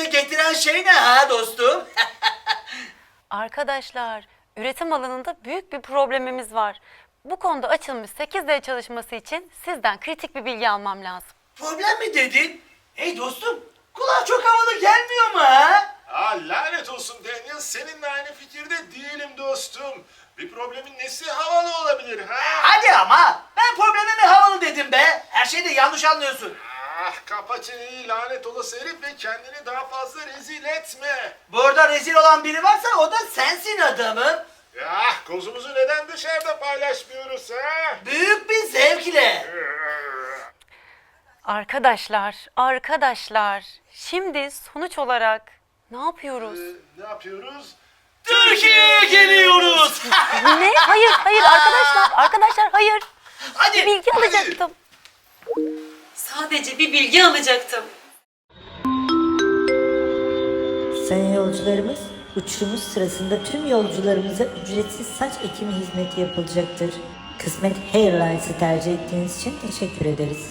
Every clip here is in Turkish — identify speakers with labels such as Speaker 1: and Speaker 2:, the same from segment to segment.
Speaker 1: getiren şey ne ha dostum?
Speaker 2: Arkadaşlar, üretim alanında büyük bir problemimiz var. Bu konuda açılmış 8D çalışması için sizden kritik bir bilgi almam lazım.
Speaker 1: Problem mi dedin? Hey dostum, kulağa çok havalı gelmiyor mu ha?
Speaker 3: Lanet olsun Daniel, seninle aynı fikirde değilim dostum. Bir problemin nesi havalı olabilir ha?
Speaker 1: Hadi ama, ben problemimi havalı dedim be. Her şeyi de yanlış anlıyorsun.
Speaker 3: Kapa çeneni lanet olası herif ve kendini daha fazla rezil etme.
Speaker 1: Burada rezil olan biri varsa o da sensin adamım.
Speaker 3: Kozumuzu neden dışarıda paylaşmıyoruz ha?
Speaker 1: Büyük bir zevkle.
Speaker 2: Arkadaşlar, şimdi sonuç olarak ne yapıyoruz?
Speaker 3: Ne yapıyoruz?
Speaker 1: Türkiye'ye geliyoruz.
Speaker 2: Ne? Hayır arkadaşlar hayır.
Speaker 1: Hadi.
Speaker 2: Bir bilgi alacaktım. Sadece bir bilgi alacaktım.
Speaker 4: Sayın yolcularımız, uçuşumuz sırasında tüm yolcularımıza ücretsiz saç ekimi hizmeti yapılacaktır. Kısmet Airlines'ı tercih ettiğiniz için teşekkür ederiz.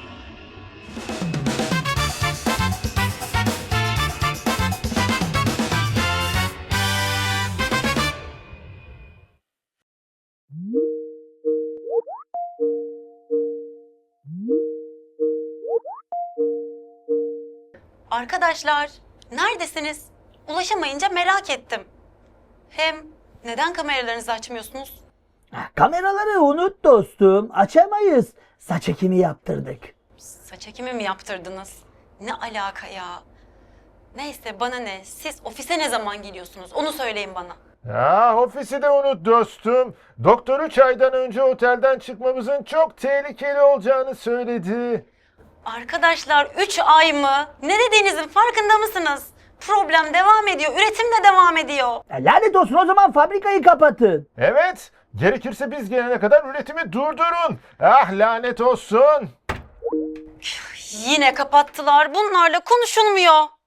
Speaker 2: Arkadaşlar, neredesiniz? Ulaşamayınca merak ettim. Hem neden kameralarınızı açmıyorsunuz?
Speaker 5: Kameraları unut dostum. Açamayız. Saç ekimi yaptırdık.
Speaker 2: Saç ekimi mi yaptırdınız? Ne alaka ya? Neyse bana ne? Siz ofise ne zaman geliyorsunuz? Onu söyleyin bana.
Speaker 3: Ofisi de unut dostum. Doktor 3 aydan önce otelden çıkmamızın çok tehlikeli olacağını söyledi.
Speaker 2: Arkadaşlar 3 ay mı? Ne dediğinizin farkında mısınız? Problem devam ediyor, üretim de devam ediyor.
Speaker 5: Lanet olsun, o zaman fabrikayı kapatın.
Speaker 3: Evet, gerekirse biz gelene kadar üretimi durdurun. Lanet olsun.
Speaker 2: Yine kapattılar. Bunlarla konuşulmuyor.